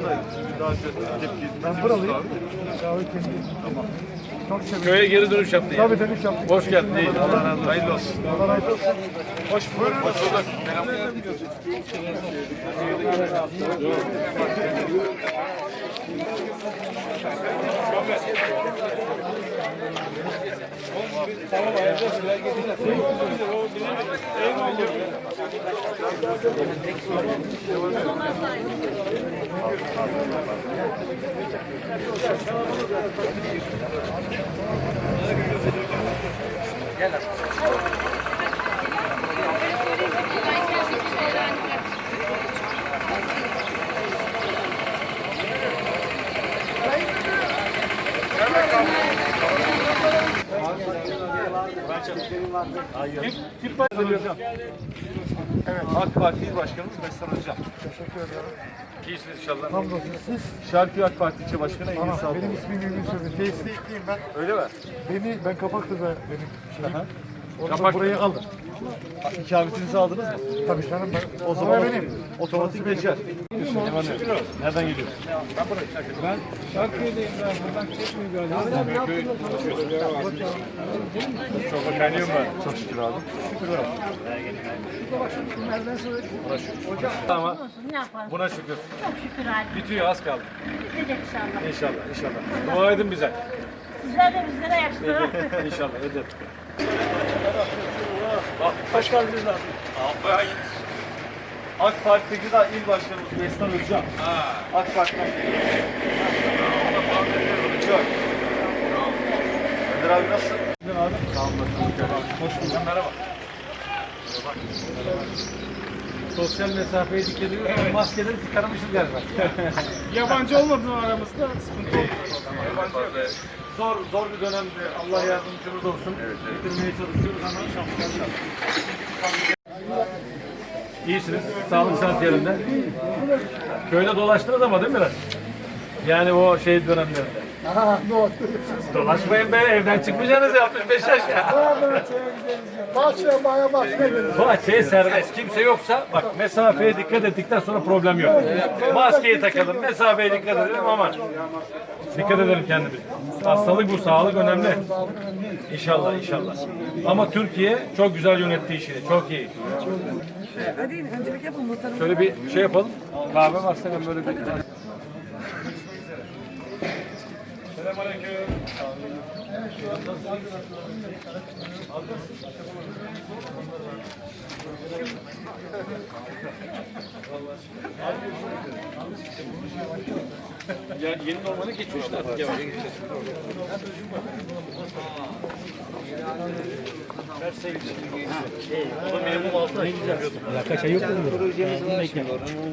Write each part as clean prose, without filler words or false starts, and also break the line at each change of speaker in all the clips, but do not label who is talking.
da daha tepki.
Ben buralıyım. Kahve kendi. Tamam. Çok sevindim.
Köye geri dönüş yaptın
Tabii dönüş yaptım.
Hoş geldin. İyi. Allah razı olsun. Hayırlı olsun.
Allah razı olsun.
Hoş bulduk. Hoş bulduk. Tamam, gel.
Evet, AK Parti İl Başkanımız Mesut Hocam.
Teşekkür ederim.
İyisiniz inşallah.
Hamdolsun siz.
Şarköy AK Parti İlçe Başkanı Engin
Aha,
Sağlık.
benim ismim Engin Sözü. Tesisliyim ben.
Öyle mi?
Ben Kapaklı'da benim şeyim. Ondan
Kapak-
burayı aldım.
İkametinizi aldınız mı?
Tabii canım ben.
O zaman
benim.
otomatik geçer. Nereden geliyorsun?
Ben Şarköy'deyim ben. Buradan çekmiyor galiba.
Çok beğeniyor mu? Çok şükür abi.
Ama
Ne yapalım?
buna şükür.
Çok şükür hadi.
Bitiyor, az kaldı.
Bitecek inşallah.
İnşallah, inşallah. Dua edin bize.
Sizler de bizlere yaşlı.
İnşallah, edin.
Hoş geldiniz abi. AK Parti Gıda İl Başkanımız Mesut Hocam. AK Parti'den geliyor. Çok. Önder abi nasılsın? Abi. Sağ olun. Hoş bulduk. Merhaba.
Sosyal mesafeye dikkat ediyoruz ama maskeleri çıkarmışız galiba.
Yabancı olmadığı aramızda sıkıntı yok.
Zor bir dönemde. Allah yardımcımız olsun. Bitirmeye çalışıyoruz ama şanslar. İyisiniz. Sağlık saat yerinde. Köyde dolaştınız ama değil mi biraz? Yani o şey dönemlerinde. Dolaşmayın be, evden çıkmayacaksınız ya, 65 yaş ya.
Bahçeye baya bahçeye.
Bahçeye serbest. Kimse yoksa bak, mesafeye dikkat ettikten sonra problem yok. Maskeyi takalım, mesafeye dikkat edelim, aman. Dikkat edelim kendimize. Hastalık bu, sağlık önemli. İnşallah, inşallah. Ama Türkiye çok güzel yönetti işini, çok iyi.
Hadi öncelik yapın muhtarım.
Şöyle bir şey yapalım. Kahve varsa ben böyle bir... Selamünaleyküm. Ya yeni normale geçmişler artık yavaş yavaş. O da minimum 6 ay. Ya kaç ay yok mu? Projemiz var.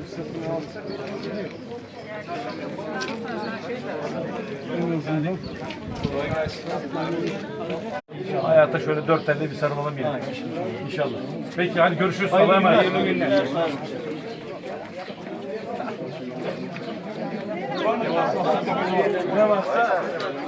Hayata şöyle 4 elde bir sarılalım yani. İnşallah. Peki hadi görüşürüz. Allah'a emanet. Hayırlı günler. Ne varsa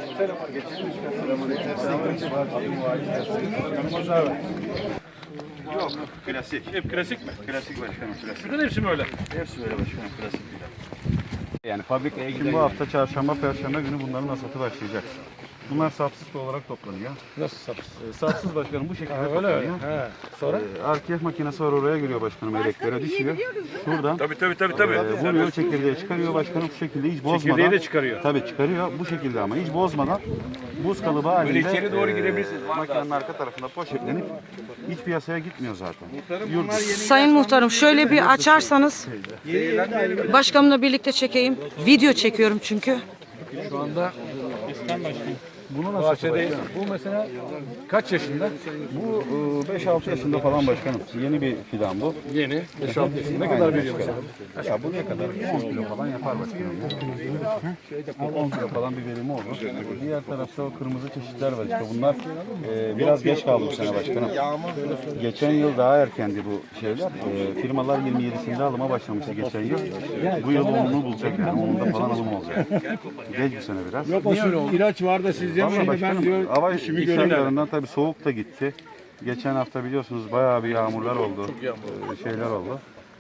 Yok, klasik.
hep klasik mi?
Klasik başkanım, klasik.
Bütün hepsi mi öyle?
Hepsi böyle başkanım, klasik.
Yani fabrikaya giden bu hafta çarşamba, perşembe günü bunların hasatı başlayacak. Bunlar sapsız olarak toplanıyor.
Nasıl sapsız?
Sapsız başkanım bu şekilde
Öyle
toplanıyor.
öyle. He. Sonra?
RKF makinesi var, oraya giriyor başkanım, elektrere düşüyor. Şuradan
Tabii.
vuruyor, çekirdeği çıkarıyor başkanım bu şekilde hiç bozmadan.
Çekirdeği de çıkarıyor.
Tabii çıkarıyor bu şekilde ama hiç bozmadan buz kalıbı halinde
içeri doğru girebilirsiniz.
makinenin arka tarafında poşetlenip hiç piyasaya gitmiyor zaten. Yurt
Sayın muhtarım şöyle bir açarsanız başkanımla birlikte çekeyim. Video çekiyorum çünkü.
Şu anda
Bunu nasıl
bahçedeyiz. Bu mesela kaç yaşında?
Bu 5-6 yaşında falan başkanım. Yeni bir fidan bu.
Yeni. 5-6 yaşında. Ne kadar veriyor mesela?
Ya bu ne kadar? 10 kilo falan yapar başkanım. 10 kilo falan bir verimi olur. Diğer tarafta o kırmızı çeşitler var işte bunlar. Biraz geç kaldı bu sene başkanım. Geçen yıl daha erkendi bu şeyler. Firmalar 27'sinde alıma başlamıştı geçen yıl. Bu yıl 10'unu bulacak yani. 10'unda falan alım olacak. Geç bu sene biraz.
Yok o ilaç var da siz
Vallahi
yemeyin de ben
başkanım,
diyor
hava
işimi
iş
göreyim.
şartlarından tabii soğuk da gitti. Geçen hafta biliyorsunuz bayağı bir yağmurlar oldu. Şeyler oldu.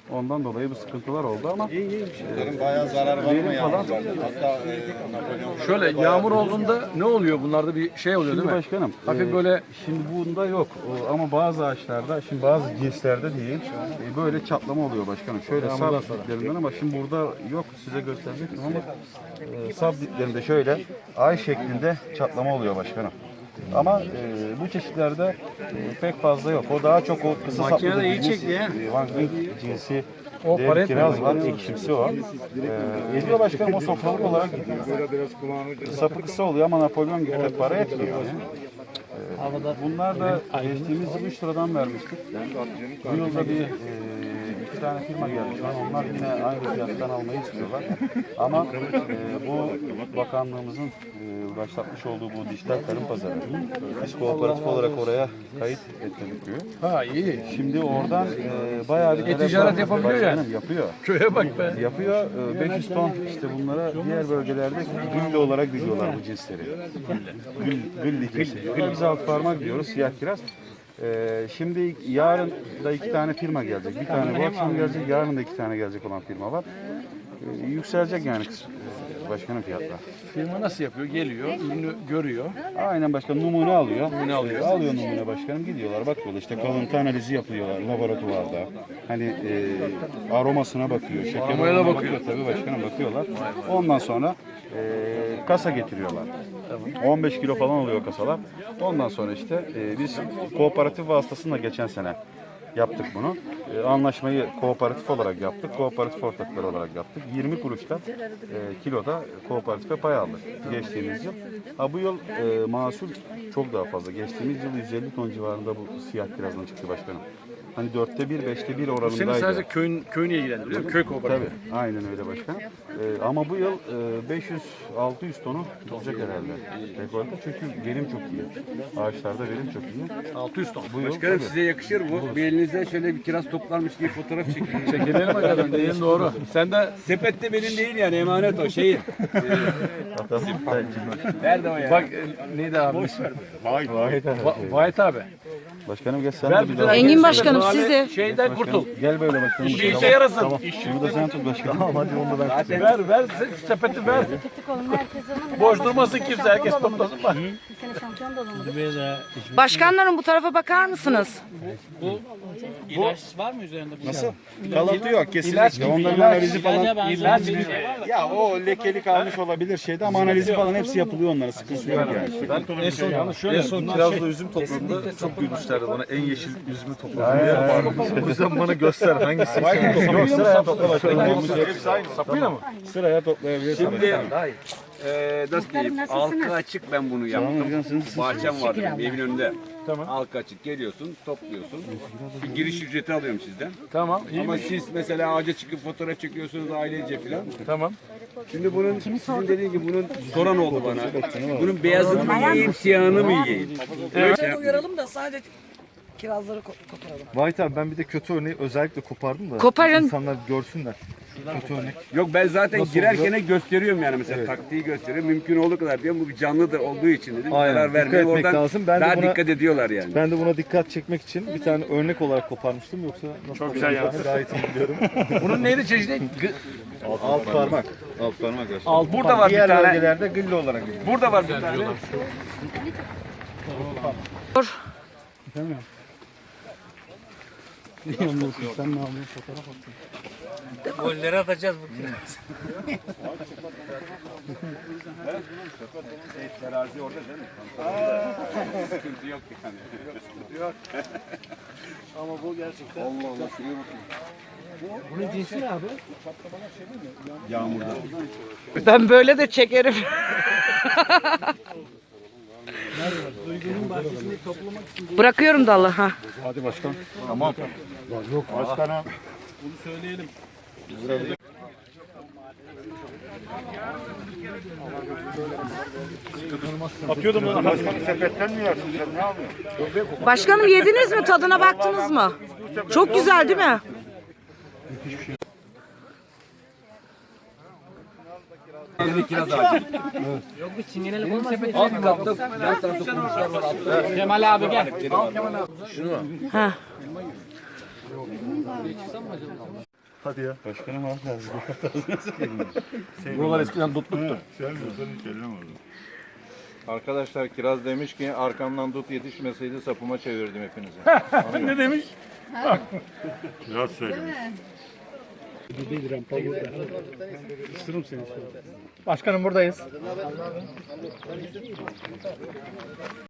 Ondan dolayı bu sıkıntılar oldu ama
Bayağı zarar var mı ya?
falan.
Hatta
Şöyle yağmur olduğunda ne oluyor? Bunlarda bir şey oluyor
Şimdi
değil mi?
başkanım,
Hafif böyle
şimdi bunda yok ama bazı ağaçlarda, şimdi bazı cinslerde değil, böyle çatlama oluyor başkanım. Şöyle sap diplerinden ama şimdi burada yok, size gösterecektim ama sap diplerinde şöyle ay şeklinde çatlama oluyor başkanım. Ama bu çeşitlerde pek fazla yok. O daha çok o kısa saplı
Makine de iyi
dediğimiz,
çekti ya.
Van Gogh cinsi
O
dev
para
kiraz var, ekşimsi o. Ediyor başkanım, o sofralık olarak gidiyor. Sapı kısa oluyor ama Napolyon gibi de para etmiyor. Bunlar da geçtiğimiz yıl 3 liradan vermiştik. Bu yılda bir iki tane firma geldi şu an. Onlar yine aynı fiyattan almayı istiyorlar. Ama bu bakanlığımızın başlatmış olduğu bu dijital tarım pazarı. Biz kooperatif olarak oraya kayıt ettirdik diyor.
Ha iyi.
Şimdi oradan bayağı bir
ticaret yapabiliyor yani.
Başkanım, yapıyor.
Köye bak be.
Yapıyor. 500 ton işte bunlara diğer bölgelerde gülle olarak dikiyorlar bu cinsleri. Gül dikmesi. Biz alt parmak diyoruz, siyah kiraz. Şimdi yarın da 2 tane firma gelecek. Bir tane bu akşam gelecek, yarın da 2 tane gelecek olan firma var. Yükselecek yani başkanım fiyatlar.
Firma nasıl yapıyor? Geliyor, ürünü görüyor.
Aynen başkanım, numune alıyor. Alıyor numune başkanım, gidiyorlar bakıyorlar işte kalıntı analizi yapıyorlar laboratuvarda. Hani aromasına bakıyor,
Aromaya da bakıyor.
Tabii başkanım bakıyorlar. Ondan sonra kasa getiriyorlar. 15 kilo falan oluyor kasalar. Ondan sonra işte biz kooperatif vasıtasıyla geçen sene yaptık bunu. Anlaşmayı kooperatif olarak yaptık. Kooperatif ortakları olarak yaptık. 20 kuruştan kiloda kooperatife pay aldık geçtiğimiz yıl. Bu yıl mahsul çok daha fazla. Geçtiğimiz yıl 150 ton civarında bu siyah kirazdan çıktı başkanım. Hani 4'te 1, 5'te 1 oranındaydı.
Senin sadece köyünü ilgilendiriyor. Köy kooperatifi.
Tabii, aynen öyle başkanım. Ama bu yıl 500-600 tonu tutacak herhalde. Rekorda çünkü verim çok iyi. Ağaçlarda verim çok iyi.
600 ton.
Bu yıl
Başkanım
tabii.
size yakışır bu. Bir elinizde şöyle bir kiraz toplarmış gibi fotoğraf çekin.
Çekilelim bakalım. Dediğin doğru. Sen de
Sepette benim değil yani emanet o şeyin. Nerede o ya?
bak neydi abi? Vahit abi.
Başkanım gel sen
Ver
de bir
bütün
daha.
Engin Başkanım
Mahalle
siz de.
Şeyden kurtul.
Gel böyle başkanım.
İşe yarasın.
Şunu da sen tut başkanım. Tamam hadi onu da ben.
Ver sepeti ver. Boş durmasın kimse. Herkes toplasın bak.
Bir sene şampiyon da olamadı.
Başkanlarım bu tarafa bakar mısınız?
Nasıl? Kalıntı yok kesinlikle. Onların analizi falan. Ya o lekelik almış olabilir şeyde ama analizi falan hepsi yapılıyor onlara. Sıkıntı yok yani.
en son kirazla üzüm topladığımda çok gülmüşlerdi bana. En yeşil üzümü topladım diye yapardım. O yüzden bana göster hangisi.
Yok sıraya topla başkanım.
Hepsi aynı.
Sapıyla mı?
Sıraya toplayabilirsin.
Şimdi nasıl diyeyim? Halka açık ben bunu yaptım. Bahçem var benim evin önünde.
Tamam.
Halka açık geliyorsun, topluyorsun. Bir giriş ücreti alıyorum sizden.
Tamam. İyi
Ama
mi?
siz mesela ağaca çıkıp fotoğraf çekiyorsunuz ailece falan.
Tamam.
Şimdi bunun sizin dediğin gibi bunun soran oldu bana. Bunun beyazını mı yiyeyim, siyahını mı yiyeyim?
Uyaralım da sadece kirazları koparalım.
Vahit abi ben bir de kötü örneği özellikle kopardım da.
Koparın.
İnsanlar görsünler. Kötü örnek.
Yok ben zaten girerken gösteriyorum yani mesela taktiği gösteriyorum. Mümkün olduğu kadar diyorum bu bir canlıdır olduğu için dedim.
Aynen,
Zarar
dikkat
vermeyeyim.
etmek
Oradan
lazım. Ben de
daha
buna-
dikkat ediyorlar yani.
Ben de buna dikkat çekmek için bir tane örnek olarak koparmıştım yoksa nasıl çok güzel yaptın. Gayet iyi biliyorum.
Bunun neydi çeşidi?
Alt parmak. Alt parmak başkanım.
Burada var bir
Diğer
tane.
bölgelerde gülle olarak gidiyor.
Burada var bir tane.
Golleri atacağız bu kiraz.
Terazi orada değil mi? Sıkıntı yok yani.
Ben böyle de çekerim. Bırakıyorum dalı ha.
Hadi başkan. Tamam. Yok başkanım. Atıyordum lan. Başkanım sepetten mi yersin sen ne yapıyorsun?
Başkanım yediniz mi? Tadına baktınız mı? Çok güzel değil mi?
Kiraz ağacı. Yok bir çingenelik olmaz. Alt katta yan tarafta kurmuşlar var. Altta. Kemal abi gel. Al Kemal abi. Şunu.
Ha.
Hadi ya.
Başkanım abi lazım.
Buralar eskiden dutluktu.
Arkadaşlar Kiraz demiş ki arkamdan dut yetişmeseydi sapıma çevirdim hepinizi.
Ne demiş?
Başkanım buradayız.